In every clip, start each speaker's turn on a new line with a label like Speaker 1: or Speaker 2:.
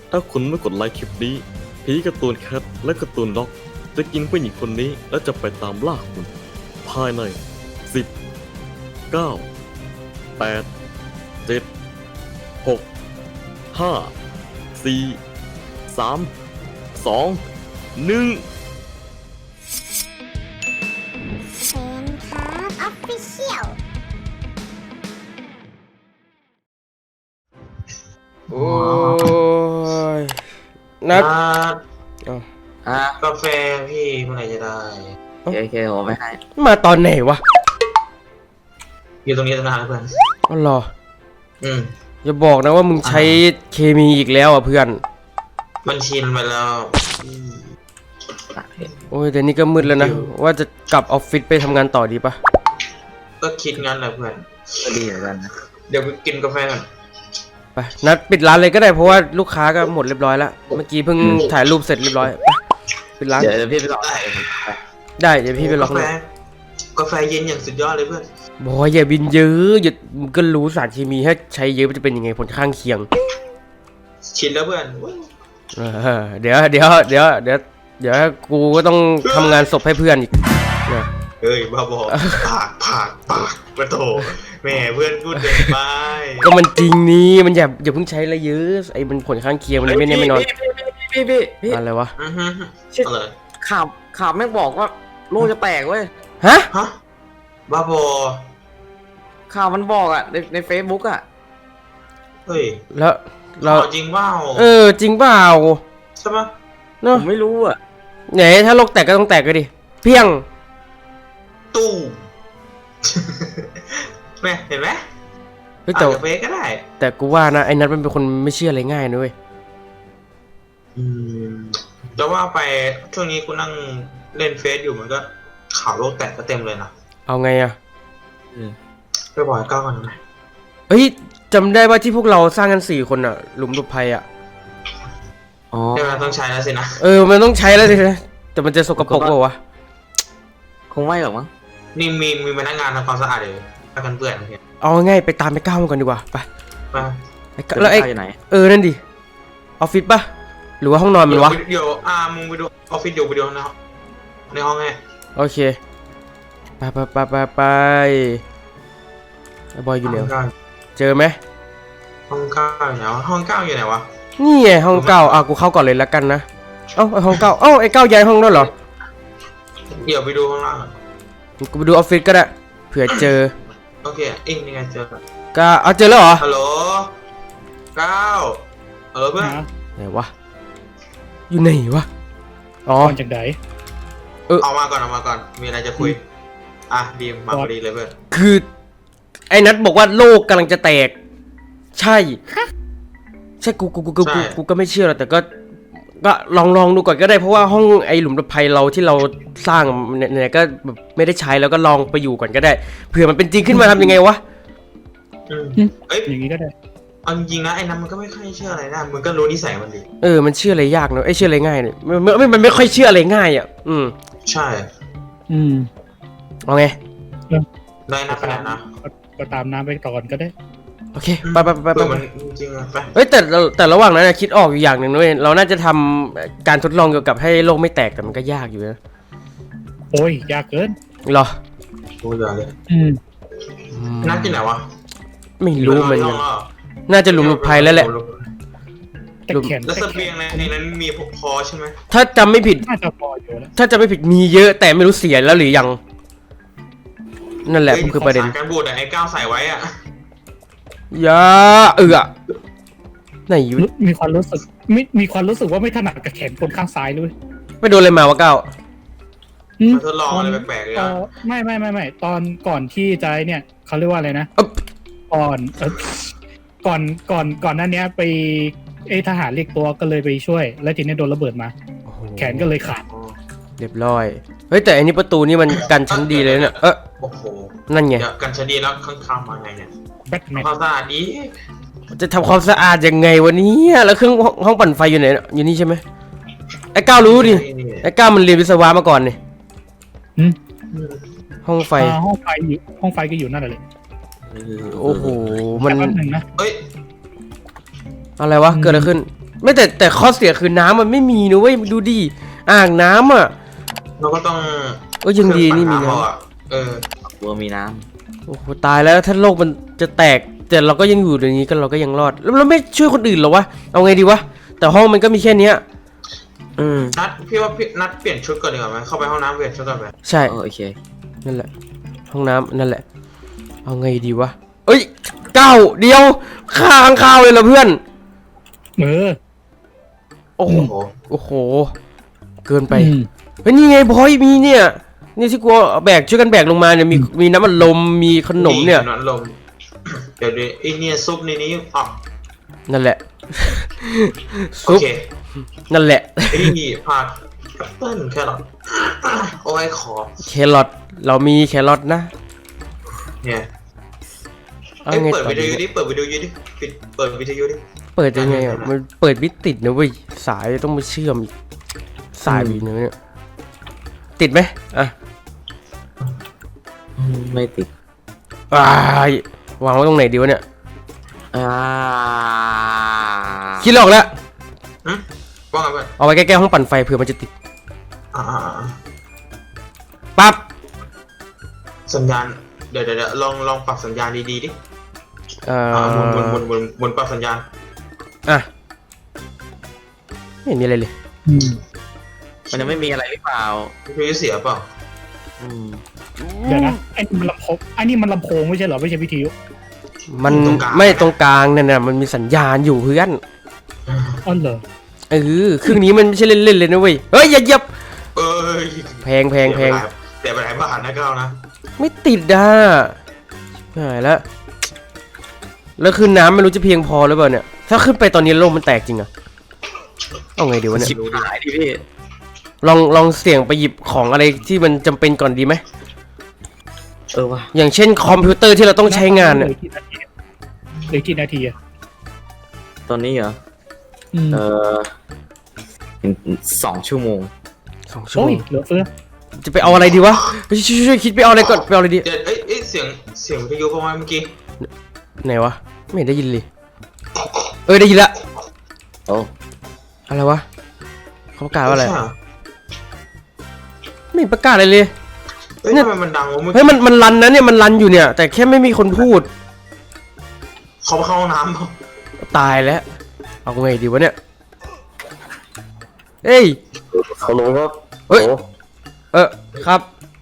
Speaker 1: ถ้าคุณไม่กดไลค์คลิปนี้ผีการ์ตูนแคทและการ์ตูนด็อกจะกินผู้หญิงคนนี้และจะไปตามล่าคุณภายใน10 9 8 7 6 5 4 3 2 1
Speaker 2: เซนครับออฟฟิเชียล
Speaker 3: โอ้ยนัดอ้าว
Speaker 4: กาแฟพี่เมื่อไหร่จะได้
Speaker 5: โอเคผมไม่ให้
Speaker 3: มาตอนไหนวะ
Speaker 4: อยู่ตรงนี้ตั้งนานแล้วเพื่อน
Speaker 3: อ๋อเหรอ
Speaker 4: อืม
Speaker 3: อย่าบอกนะว่ามึงใช้เคมีอีกแล้วอ่ะเพื่อน
Speaker 4: มันชินไปแล้ว
Speaker 3: โอ้ยแต่นี่ก็มืดแล้วนะ ว่าจะกลับออฟฟิศไปทำงานต่อดีปะ
Speaker 4: ก็คิดงั้นแหละเพื่อน
Speaker 5: ก็ดีเหมือนกันนะ
Speaker 4: เดี๋ยวไปกินกาแฟก่อน
Speaker 3: ไปนัดปิดร้านเลยก็ได้เพราะว่าลูกค้าก็หมดเรียบร้อยแล้ว เมื่อกี้เพิ่งถ่ายรูปเสร็จเรียบร้อยไปปิดร้าน
Speaker 5: เดี๋ยวพี่ไปรอ
Speaker 3: ได้เดี๋ยวพี่ไปล็อก
Speaker 4: กา
Speaker 3: เล
Speaker 4: แฟ
Speaker 3: ย
Speaker 4: กาแฟเย็นอย่างสุดยอดเลยเพื่อน
Speaker 3: บอยอย่าบินเยอะอย่ามึงก็รู้สารเคมีถ้าใช้เยอะมันจะเป็นยังไงผลข้างเคียง
Speaker 4: ชินแล้วเพื่อน
Speaker 3: เดี๋ยวกูก็ต้องทำงานศพให้เพื่อนอีกนะ
Speaker 4: เฮ้ยบ้าบอปากมาโถแม่เพื่อนพูดเด็กไป
Speaker 3: ก็มันจริงนี่มันอย่าเพิ่งใช้อะไรเยอะไอ้มันผลข้างเคียงมันไม่แน่ไม่นอน
Speaker 5: พี่
Speaker 3: อะไรวะ
Speaker 4: อือฮึ
Speaker 5: ชิด
Speaker 4: อะไร
Speaker 5: ข่าวแม่งบอกว่าโลกจะแตกเว้ย
Speaker 3: ฮะ
Speaker 4: ฮะบ้าบอ
Speaker 5: ข่าวมันบอกอ่ะในเฟซบุ๊กอ่ะ
Speaker 4: เฮ้ย
Speaker 3: แล้วเรา
Speaker 4: ข่าวจริงเปล่า
Speaker 3: จริงเปล่า
Speaker 4: ใช่ปะ
Speaker 3: เนาะ
Speaker 5: ผมไม่รู้อ่ะ
Speaker 3: ไหนถ้าโลกแตกก็ต้องแตกก็ดิเพียง
Speaker 4: ตู้ แม่เห็นไหม
Speaker 3: เฮ้ย
Speaker 4: อาจจะเฟกก็ได้
Speaker 3: แต่กูว่านะไอ้นัทมันเป็นคนไม่เชื่ออะไรง่ายนะเว้ย
Speaker 4: จะว่าไปช่วงนี้กูนั่งเล่นเฟซอยู่มันก็ข่าวโลกแตกก็เต็มเลยนะ
Speaker 3: เอาไงอะ
Speaker 4: ไปบอกให้ก้าวก่อนนะ
Speaker 3: เฮ้ยจำได้ว่าที่พวกเราสร้างกัน4 คนอะหลุมหลบภัยอะ
Speaker 5: อ๋อ
Speaker 4: ใช่ไหมต้องใช้แล้วสินะ
Speaker 3: มันต้องใช้แล้วสินะแต่มันจะสกปรกเปล่าวะ
Speaker 5: คงไม่หรอกมั้ง
Speaker 4: นี่มีพนักงานทำความสะอาดเลยถ้ากันเปื่อนเนี่ย
Speaker 3: เอาง่ายๆไปตามไปก้าวมันก่อนดีกว่าไป
Speaker 4: มา
Speaker 3: ไอ้ก้าวแล้วไอ้
Speaker 5: อยู่ไหน
Speaker 3: นั่นดิออฟฟิศปะหรือว่าห้องนอนมันวะ
Speaker 4: เดี๋ยวมึงไปดูออฟฟิศอยู่ไปดูในห้องไง
Speaker 3: โอเคไปไอ้บอยอยู่ไหนวะเจอไหม
Speaker 4: ห้องเก้าอยู่ไหนวะห้องเก้าอยู่ไหนวะ
Speaker 3: นี่ไงห้องเก้ากูเข้าก่อนเลยแล้วกันนะไอ้ห้องเก้าไอ้เก้าย้ายห้องแล้วเหรอ
Speaker 4: เดี๋ยวไปดูข้างล่าง
Speaker 3: กูไปดูออฟฟิศก็ได้เผื่อเจอ
Speaker 4: โอเคเอ็งนี่ไงเจอ
Speaker 3: ก็เอาเจอแล้วเหรอ
Speaker 4: ฮัลโหลก้าวเพื่อน
Speaker 3: ไหนวะอยู่ไหนวะอ๋อ
Speaker 6: ก่อนจากไหน
Speaker 4: เอามาก่อนมีอะไรจะคุยดีมมาพอดีเลยเพื่อน
Speaker 3: คือไอ้นัทบอกว่าโลกกำลังจะแตกใช่ใช่กูก็ไม่เชื่อหรอกแต่ก็ลองดูก่อนก็ได้เพราะว่าห้องไอ้หลุมหลบภัยเราที่เราสร้างเนี่ยก็แบบไม่ได้ใช้แล้วก็ลองไปอยู่ก่อนก็ได้เผื่อมันเป็นจริงขึ้นมาทำยังไงวะ
Speaker 4: เอ้ย
Speaker 6: อย่างนี้ก็ได้
Speaker 4: เอาจริงๆนะไอ้นั้นมันก็ไม่ค่อยเชื่ออะไรนะมึงก็รู้นิสัยมันดี
Speaker 3: มันเชื่ออะไรยากเนอะเชื่ออะไรง่ายเนี่ยมันไม่ค่อยเชื่ออะไรง่ายอ่ะ
Speaker 4: ใช่
Speaker 6: อืม
Speaker 3: เอาไง
Speaker 4: ได้นะขนาดนะ
Speaker 6: ก็ตามน้ำไปก่อนก็ได้
Speaker 3: โอเคไป
Speaker 4: มันจริงๆไป
Speaker 3: เฮ้ยแต่ระหว่างนั้นคิดออกอยู่อย่างหนึ่งด้วยเราน่าจะทำการทดลองเกี่ยวกับให้โลกไม่แตกแต่มันก็ยากอยู่นะ
Speaker 6: โอ้ยยากเกิน
Speaker 3: หรอ
Speaker 4: กูอย่าเลย
Speaker 6: อืม
Speaker 4: นั่งที่ไหนวะ
Speaker 3: ไม่รู้เหมือนกัน
Speaker 4: น
Speaker 3: น่าจะหลุมหลบภัยแล้วแหละ
Speaker 6: แต่แขน
Speaker 4: แล้วเสบียงในนั้นมีพอใช่ไหม
Speaker 3: ถ้าจำไม่ผิด
Speaker 6: น่าจะพออยู่แล้ว
Speaker 3: ถ้าจะไม่ผิดมีเยอะแต่ไม่รู้เสียแล้วหรือยังนั่นแหละคือประเด็น
Speaker 4: การบูดไอ้ก้าวใส่ไว้อ่ะ
Speaker 3: ยาไหนอยู่
Speaker 6: มีความรู้สึกว่าไม่ถนัดกับแขนคนข้างซ้ายด้วย
Speaker 3: ไปโดนอะไรมาวะก้าว
Speaker 4: มาทดลองอะไรแปลกๆเลย
Speaker 6: ไม่ตอนก่อนที่จะเนี่ยเขาเรียกว่าอะไรนะก่อนนั้นเนี้ยไปทหารเรียกตัวก็เลยไปช่วย แล้วทีนี้โดนระเบิดมา แขนก็เลยขาด
Speaker 3: เรียบร้อยเฮ้ยแต่อันนี้ประตูนี่มันกันชั้นดีเลยเนี่ย
Speaker 4: โอ้โห
Speaker 3: นั่นไง
Speaker 4: กันชดีแล้วข้างๆมาไงเนี่ย
Speaker 6: แบทแมน
Speaker 4: ความสะอาดดี
Speaker 3: จะทำความสะอาดยังไงวันนี้แล้วเครื่องห้องปั่นไฟอยู่ไหนอยู่นี่ใช่ไหมไอ้ก้าวรู้ดิไอ้ก้าวมันเรียนวิศวะมาก่อนนี่ห้องไฟ
Speaker 6: ห้องไฟก็อยู่นั่นแหละ
Speaker 3: โอ้โหมัน
Speaker 6: แป๊บนึงนะ
Speaker 4: เอ้ย
Speaker 3: อะไรวะเกิดอะไรขึ้นไม่แต่ข้อเสียคือน้ำมันไม่มีนะเว้ยดูดิอ่างน้ำอ่ะ
Speaker 4: เราก็ต้อง
Speaker 3: ยังดีนี่มี
Speaker 4: เครื่อง
Speaker 3: น้ำ
Speaker 4: ปั่เอาเออ
Speaker 5: กลัวมีน้
Speaker 3: โอ้โหตายแล้วถ้าโลกมันจะแตกแต่เราก็ยังอยู่อย่างนี้กันเราก็ยังรอดแล้วเราไม่ช่วยคนอื่นเหรอวะเอาไงดีวะแต่ห้องมันก็มีแค่เนี้ย
Speaker 4: นัดพี่ว่าพี่นัดเปลี่ยนชุดก่อนดีกว่าไหมเข้าไปห้องน้ำเปลี่ยนชุดก่อนไหม
Speaker 3: ใช่
Speaker 5: โอเค
Speaker 3: นั่นแหละ ห้องน้ำนั่นแหละ เอาไงดีวะเอ้ยก้าวเดียวข้างข้าวเลยเหรอเพื่อน
Speaker 6: เออ
Speaker 3: โอ้โห
Speaker 4: โอ้โห
Speaker 3: โอ้โห เกินไป
Speaker 6: อืม
Speaker 3: เฮ้ยนี่ไงพอยมีเนี่ยนี่ที่กูเอาแบกช่วยกันแบกลงมาเนี่ยมีน้ำมันลมมีขนมเนี่ย
Speaker 4: น้ำลม เดี๋ยวดิไอเนี่ยซุปในนี้อ่ะ
Speaker 3: นั่นแหละ
Speaker 4: โอ
Speaker 3: ซุป
Speaker 4: เค
Speaker 3: นั่นแหละ
Speaker 4: ไอ้นี่ผักแอปเปิ้ลแครอทโอ้ยขอ
Speaker 3: แครอทเรามีแครอทนะ
Speaker 4: เนี่ย
Speaker 3: เอา
Speaker 4: เอ้ย
Speaker 3: ไง
Speaker 4: เปิด
Speaker 3: ต่อ
Speaker 4: วิท
Speaker 3: ดี
Speaker 4: ยุดิเปิดวิทยุดิเปิดวิทยุดิ
Speaker 3: เปิดยังไงอ่ะมันเปิดไม่ติดนะเว้ยสายต้องมาเชื่อมอีกสายวีเนี่ยติดไหมอ่ะ
Speaker 5: ไม่ติด
Speaker 3: ว้ายวางไว้ตรงไหนดีวะเนี่ย
Speaker 5: อ่า
Speaker 3: คิดไม่ออกแล้ว
Speaker 4: หึว่าไงเพื่อน
Speaker 3: เอาไว้ใกล้ๆห้องปั่นไฟเผื่อมันจะติด
Speaker 4: อ่า
Speaker 3: ปั๊บ
Speaker 4: สัญญาณเดี๋ยวลองปรับสัญญาณดีๆดิ
Speaker 3: เอ่
Speaker 4: หมุนปรับสัญญาณ
Speaker 3: อ่ะไม่เห็นมีอะไรเลย
Speaker 6: อืม
Speaker 5: มันยังไม่มีอะไรหรือเปล่า
Speaker 4: วิทยุเสียเปล่า
Speaker 5: อืม
Speaker 6: เดี๋ยวนะไอ้นี่มันลำโพงไอ้นี่มันลำโพงไม่ใช่เหรอไม่ใช่วิทยุ
Speaker 3: มันไม่ตรงกลางเนี่ยนะมันมีสัญญาณอยู่เพื่อน
Speaker 6: อ๋อเหรอ
Speaker 3: เครื่องนี้มันไม่ใช่เล่นๆเลยนะเว้ยเฮ้ยอย่าเหยียบ
Speaker 4: เอ้ย
Speaker 3: แพงแพง
Speaker 4: เสียไปหลายบาทนะก้าวนะ
Speaker 3: ไม่ติดอ่ะหายแล้วแล้วคือน้ำไม่รู้จะเพียงพอหรือเปล่าเนี่ยถ้าขึ้นไปตอนนี้โลกมันแตกจริงอะเอาไงดีวะเนี่ย
Speaker 5: ชิบหายดิพี่
Speaker 3: ลองเสี่ยงไปหยิบของอะไรที่มันจำเป็นก่อนดีไหม
Speaker 5: ว่ะ
Speaker 3: อย่างเช่นคอมพิวเตอร์ที่เราต้องใช้งาน
Speaker 6: เห
Speaker 3: เนี่ย
Speaker 6: ลือกี่นาทีอะ
Speaker 5: ตอนนี้เหรอ
Speaker 6: อืม
Speaker 5: 2 ชั่วโมง
Speaker 3: 2 ชั่ว
Speaker 6: โอ้
Speaker 3: โม
Speaker 6: ย
Speaker 3: ง
Speaker 6: เหลือเฟือ
Speaker 3: จะไปเอาอะไรดีวะช่วยคิดไปเอาอะไรก่อนไปเอาอะไรดี
Speaker 4: เดี๋ยวเอ้ยเสียงวิทยุประมาณเมื่อกี้
Speaker 3: ไหนวะไม่เห็นได้ยินเลยได้ยินละ
Speaker 5: โอ้
Speaker 3: อะไรวะเขาประกาศว่าอะไร
Speaker 4: ใช่เห
Speaker 3: ไม่เห็นประกาศอะไรเลย
Speaker 4: เฮ้ยทำไมมันดังวะเมื่อ
Speaker 3: เฮ้
Speaker 4: กี้
Speaker 3: ยมันรันนะเนี่ยมันรันอยู่เนี่ย แต่แค่ไม่มีคนพูด
Speaker 4: เขาเข้าห้องน้ำเปล่า
Speaker 3: ตายแล้วเอาไงดีวะเนี่ยเอ้ย
Speaker 1: ฮัลโหลครับ
Speaker 3: เฮ้ย
Speaker 1: ฮัลโหล
Speaker 3: ครับ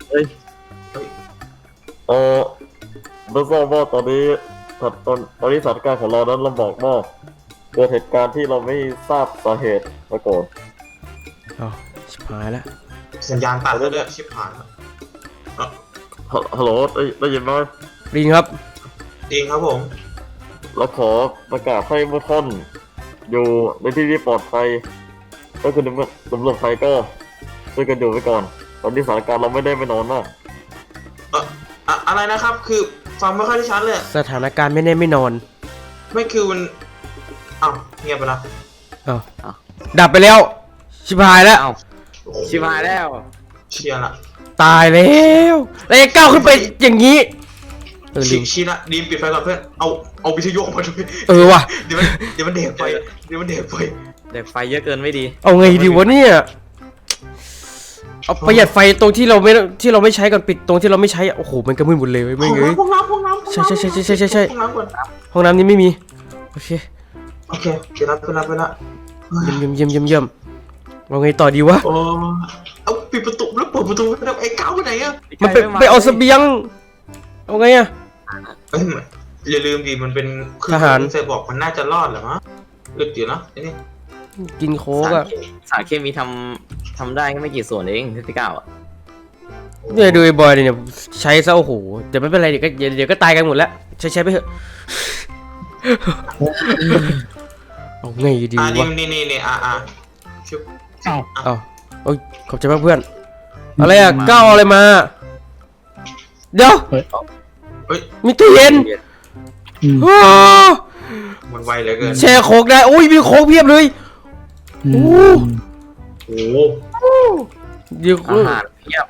Speaker 1: ไม่ทราบว่าตอนนี้สถานการณ์ของเรานั้นลำบากมากเกิดเหตุการณ์ที่เราไม่ทราบสาเหตุมาก่อน
Speaker 3: อ๋อชิบหายแล้ว
Speaker 4: สัญญาณตัดแล้วด้วยชิบหายแล้ว
Speaker 1: ฮัลโหลได้ยินไหม
Speaker 3: ลิงครับ
Speaker 4: จริงครับผม
Speaker 1: เราขอประกาศให้เมื่อท่านอยู่ในที่ที่ปลอดภัยก็คือตำรวจไทยก็ช่วยกันอยู่ไว้ก่อน ตอนนี้สถานการณ์เราไม่ได้ไปนอนมาก
Speaker 4: อะไรนะครับ คือฟังไม่ค่อยได้ชัดเลย
Speaker 3: สถานการณ์ไม่แน่ไม่นอน
Speaker 4: ไม่คือมันอ้าวเงียบไปละ
Speaker 3: อ้าวดับไปแล้ว ชิบหายแล้ว
Speaker 5: เอ้าชิบหายแล้ว
Speaker 4: เชียร์ละ
Speaker 3: ตายแล้วแล้วไอ้ก้าวขึ้นไปอย่างนี้ลิง
Speaker 4: ชี้ละดีมปิดไฟก่อนเพื่อนเอาวิทยุออกมาด้วย
Speaker 3: ว่ะ
Speaker 4: เดี๋ยวมันเด็กไฟเดี๋ยวมันเด็กไฟ
Speaker 5: เด็กไฟเยอะเกินไม่ดี
Speaker 3: เอาไงดีวะเนี่ยเอาประหยัดไฟตรงที่เราไม่ใช้ก่อนปิดตรงที่เราไม่ใช้โอ้โหมันก็มืดหมดเลยไม่เงย
Speaker 4: ห้องน้ำ
Speaker 3: ใช่
Speaker 4: ห้องน้ำก่อน
Speaker 3: ห้องน้ำนี้ไม่มีโอเค
Speaker 4: โอเคเดี๋ยวรับไปละ
Speaker 3: เยี่ยมเอาไงต่อดีวะ
Speaker 4: โอ้เอาปิดประตูแล้วเปิดประตูแล้วไอ้ก้าวไปไหนอะ
Speaker 3: มันไปเอาเสบียงเอาไงอะ
Speaker 4: เอ้ยอย่าลืมดิมันเป็นคือ
Speaker 3: ทหาร
Speaker 4: เซบอกมันน่าจะรอดเหรอมะอึดอยู่นะไอ้นี่
Speaker 3: กินโค้กอะ
Speaker 5: สารเคมีทำได้แค่ไม่กี่ส่วนเองที่9อ่ะ
Speaker 3: เนี่ยดูไอ้บอยเนี่ยใช้ซะโอ้โหแต่ไม่เป็นไรเดี๋ยวก็ตายกันหมดแล้วใช้ไปเถอะเอาไงดีวะ
Speaker 4: นี่ชุบ
Speaker 6: อ้าว
Speaker 3: เอาโอ้ยขอบใจมากเพื่อนอะไรอะก้าวเอาอะไรมาเดี๋ยว
Speaker 4: เฮ้ย
Speaker 3: มีตู้เย็น
Speaker 6: อืม
Speaker 3: อ้า
Speaker 4: มันไวเหลือเกิน
Speaker 3: แช่โค้กได้โอ้ยมีโค้กเพียบเลย
Speaker 6: อืม
Speaker 4: โอ้
Speaker 3: เดี๋ยว
Speaker 5: อาหารเพียบ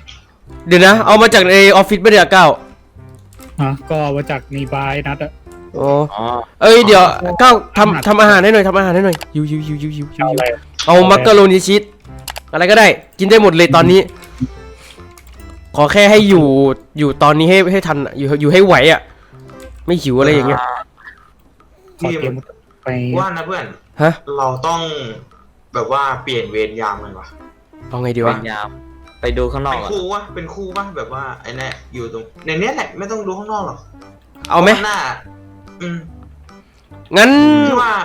Speaker 3: เดี๋ยวนะเอามาจากในออฟฟิศไม่ได้ก้าว
Speaker 6: อ่ะก็มาจากนีบายนัดอะ
Speaker 3: อโอ้
Speaker 5: อ๋อ
Speaker 3: เอ้ยเดี๋ยวก้าวทำอาหารให้หน่อยทำอาหารให้หน่อยยู
Speaker 6: เอาอะไร
Speaker 3: เอามักกะโรนีชีสอะไรก็ได้กินได้หมดเลยตอนนี้ ขอแค่ให้อยู่ตอนนี้ให้ทันอยู่ให้ไหวอ่ะไม่หิวอะไรอย่างเงี้ย
Speaker 6: ขอเตรียมไป
Speaker 4: ว่านะเพื่อน
Speaker 3: ฮะ
Speaker 4: เราต้องแบบว่าเปลี่ยนเวรยามเลยวะ
Speaker 3: เอาไงดี
Speaker 5: เป็
Speaker 3: วะ
Speaker 5: นยามไปดูข้างนอ
Speaker 4: เป็
Speaker 5: ก
Speaker 4: น
Speaker 5: อ่ะ
Speaker 4: คู่วะเป็นคู่วะแบบว่าไอ้เนี่ยอยู่ตรงในเนี้ยแหละไม่ต้องดูข้างนอกหรอก
Speaker 3: เอาไหม
Speaker 4: ข้งหน้า อืม
Speaker 3: งั้น
Speaker 4: พี่ว่า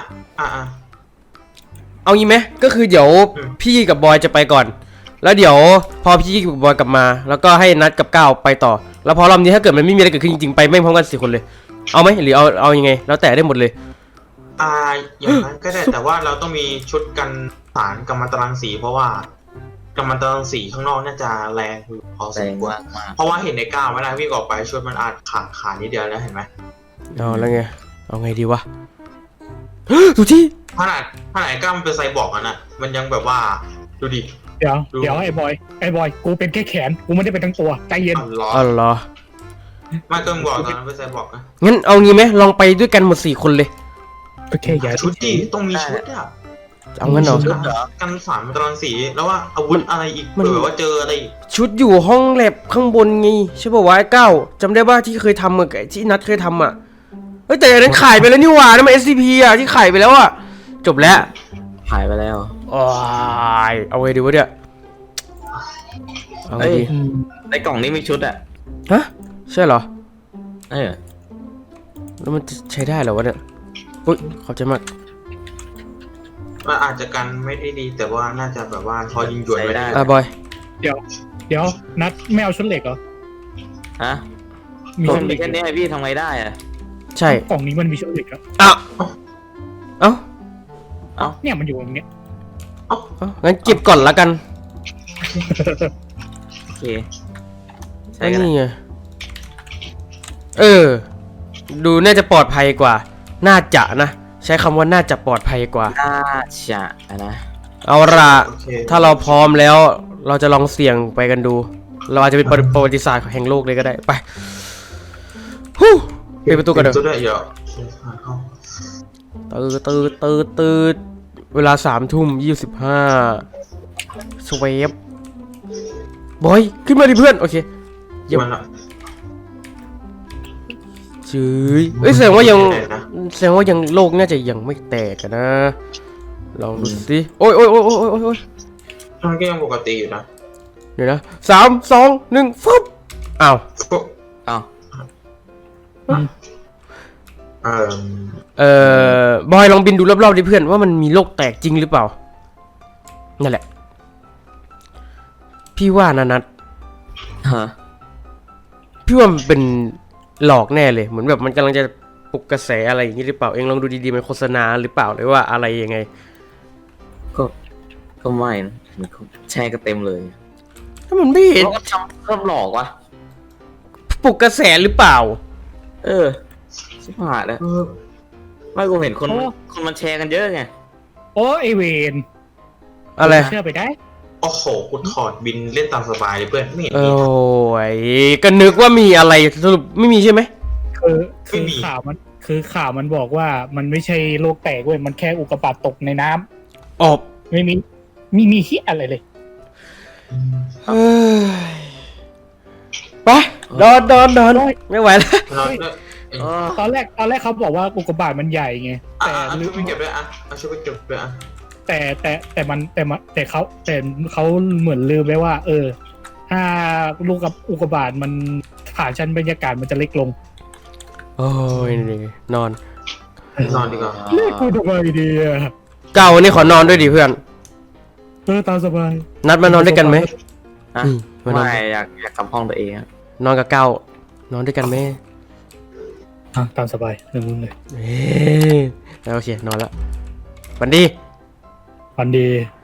Speaker 3: เอางี้ไหมก็คือเดี๋ยว
Speaker 4: อืม
Speaker 3: พี่กับบอยจะไปก่อน แล้วเดี๋ยวพอพี่กับบอยกลับมา แล้วก็ให้นัดกับก้าวไปต่อ แล้วพอรอบนี้ถ้าเกิดมันไม่มีอะไรเกิดขึ้นจริงๆไปไม่พร้อมกัน4 คนเลย เอาไหมหรือเอายังไง แล้วแต่ได้หมดเลย
Speaker 4: อย่างนั้นก็ได้แต่ว่าเราต้องมีชุดกันสารกัมมันตรังสีเพราะว่ากัมมันตรังสีข้างนอกน่าจะแรงอยู่พอส
Speaker 5: แร
Speaker 4: ม
Speaker 5: ง
Speaker 4: ควร
Speaker 5: มาก
Speaker 4: เพราะว่าเห็นในก้าวเวลาวิ่งออกไปชุดมันอาจขาดนิดเดียวแล้วเห็นไหม
Speaker 3: เอาแล้วไง เอาไงดีวะ ดูที่
Speaker 4: ขนาดไอ้ก้าวมันเป็นไซบอร์กอ่ะนะมันยังแบบว่าดูดิ
Speaker 6: เดี๋ยวไอ้บอยกูเป็นแค่แขนกูไม่ได้เป็นทั้งตัวใจเย็น
Speaker 4: อ๋อเหรอ
Speaker 3: อ๋อเหรอ
Speaker 4: ไม่ต้องบอกตอนนั้นเป็นไซบอร์กนะ
Speaker 3: งั้นเอางี้ไหมลองไปด้วยกันหมด4 คนเลย
Speaker 6: โอเคอย่า
Speaker 4: ชุดดิต้องมีชุดอ่ะ
Speaker 3: เอางั้นเหรอ
Speaker 4: ชุดกันสารกัมมันตรังสีแล้วว่าอาวุธอะไรอีก
Speaker 3: มัน
Speaker 4: เผื่อว่าเจออะไรอีก
Speaker 3: ชุดอยู่ห้องแลบข้างบนไงใช่ป่าววะไอ้ก้าวจำได้ว่าที่เคยทำอะที่นัดเคยทำอะเฮ้ยแต่อันนั้นขายไปแล้วนี่หว่านั่นมัน SCP อะที่ขายไปแล้วอะจบแล้ว
Speaker 5: ๆหายไปแล้ว
Speaker 3: โอ้ยเอาไงดีวะเนี่ยเอาไงดี
Speaker 6: อืม
Speaker 5: ในกล่องนี้มีชุดอ่ะ
Speaker 3: ฮะใช่เหรอ
Speaker 5: เออ
Speaker 3: แล้วมันจะใช้ได้เหรอวะเนี่ยอุ้ยขอบใจมาก
Speaker 4: มันอาจจะกันไม่ได้ดีแต่ว่าน่าจะแบบว่าพอยิงหยวนไม่ได้
Speaker 3: อ่ะบอย
Speaker 6: เดี๋ยวนัดไม่เอาชุดเหล็กเหรอ
Speaker 5: ฮะ
Speaker 6: มี
Speaker 5: กล่อ
Speaker 6: ชุ
Speaker 5: ง
Speaker 6: ดเหล็
Speaker 5: มี
Speaker 6: ก
Speaker 5: แค่นี้พี่ทำไงได้อ่ะ
Speaker 3: ใช่
Speaker 6: กล่องนี้มันมีชุดเหล็กอะ
Speaker 3: อ้าวเอ้า
Speaker 6: เนี่ยมันอยู่ตรงเนี้ย
Speaker 3: เอ้างั้นเก็บก่อนละกัน
Speaker 5: โอเคใช่กัน
Speaker 3: นี่ไงดูน่าจะปลอดภัยกว่า น่าจะนะ ใช้คำว่าน่าจะปลอดภัยกว่า
Speaker 5: น่าจะนะ
Speaker 3: เอาล่ะ
Speaker 4: โอเค
Speaker 3: ถ้าเราพร้อมแล้ว เราจะลองเสี่ยงไปกันดู เราอาจจะเป็นประวัติศาสตร์แห่งโลกเลยก็ได้ ไปฮู้ปิดประตูกันเถ
Speaker 4: ปิดประตู
Speaker 3: อะ
Speaker 4: ด้วยเดี๋ยว
Speaker 3: ตื่นเวลา3:25สเวฟบอย ขึ้นมาดิเพื่อน โอเค เยี่ยม
Speaker 4: มันละ
Speaker 3: จืยเอ้ยแสดงว่ายังโลกน่าจะยังไม่แตกอะนะลองดูสิโอ้ย
Speaker 4: มันก็ยังปกติอยู่นะ
Speaker 3: เดี๋ยวนะ3 2 1ฟึบอ้าว
Speaker 5: เอ้า
Speaker 3: บอยลองบินดูรอบๆดิเพื่อนว่ามันมีโลกแตกจริงหรือเปล่านั่นแหละพี่ว่านะนัท
Speaker 5: ฮะ
Speaker 3: พี่ว่ามันเป็นหลอกแน่เลยเหมือนแบบมันกำลังจะปลุกกระแสอะไรอย่างนี้หรือเปล่าเองลองดูดีๆมันโฆษณาหรือเปล่าหรือว่าอะไรยังไง
Speaker 5: ก็ไม่นะมันก็แชร์กันเต็มเลย
Speaker 3: ถ้ามันไม่เห็น
Speaker 5: เขาก็ทำเพิ่มหลอกวะ
Speaker 3: ปลุกกระแสหรือเปล่า
Speaker 5: เออชิบหายแล้วไม่กูเห็นคนมันแชร์กันเยอะไง
Speaker 6: โอ้ไอเวน
Speaker 3: อะไร
Speaker 6: เชื่อไปได้
Speaker 4: โอ้โหกูถอดบินเล่นตามสบายเลยเพื่อนไม่เห็น
Speaker 3: โอ้
Speaker 4: มี
Speaker 3: ยก็นึกว่ามีอะไรสรุปไม่มีใช่ไหม
Speaker 6: คือข่าวมันบอกว่ามันไม่ใช่โลกแตกเว้ยมันแค่อุกกาบาตตกในน้ำ
Speaker 3: ออบ
Speaker 6: ไม่มีเหี้ยอะไรเลย
Speaker 3: เฮ้ยไปนอนไม่ไหวแล้ว
Speaker 4: นอนด้วย
Speaker 5: เออ
Speaker 6: ตอนแรกเขาบอกว่าอุกกาบาตมันใหญ่ไง
Speaker 4: อ่ะ
Speaker 6: แต่
Speaker 4: เอา
Speaker 6: ลื
Speaker 4: ชุด
Speaker 6: ม
Speaker 4: ไปเก็บด้วยอ่ะเอาชุดไปเก็บด้วยอ่ะ
Speaker 6: แต่เขาเหมือนลืมไปว่า ถ้าลูกกับอุกกาบาตมันผ่านชั้นบรรยากาศมันจะเล็กลง
Speaker 3: โอ้ยนี่นอน
Speaker 4: นอนดีกว่า
Speaker 6: เรียกกูทำไมดีอะ
Speaker 3: เก้าวันนี้ขอนอนด้วยดิเพื่อน
Speaker 6: ตามสบาย
Speaker 3: นัดมานอนด้วยกันไหม
Speaker 5: ฮะ
Speaker 3: มานอน
Speaker 5: ไม่อยากกลับห้องตัวเองอะ
Speaker 3: นอนกับเก้านอนด้วยกันไหม
Speaker 6: ตามสบายเรื่องมึงเลย
Speaker 3: เอ้ยแล้วโอเคนอนแล้วฝันดี
Speaker 6: ฝันดี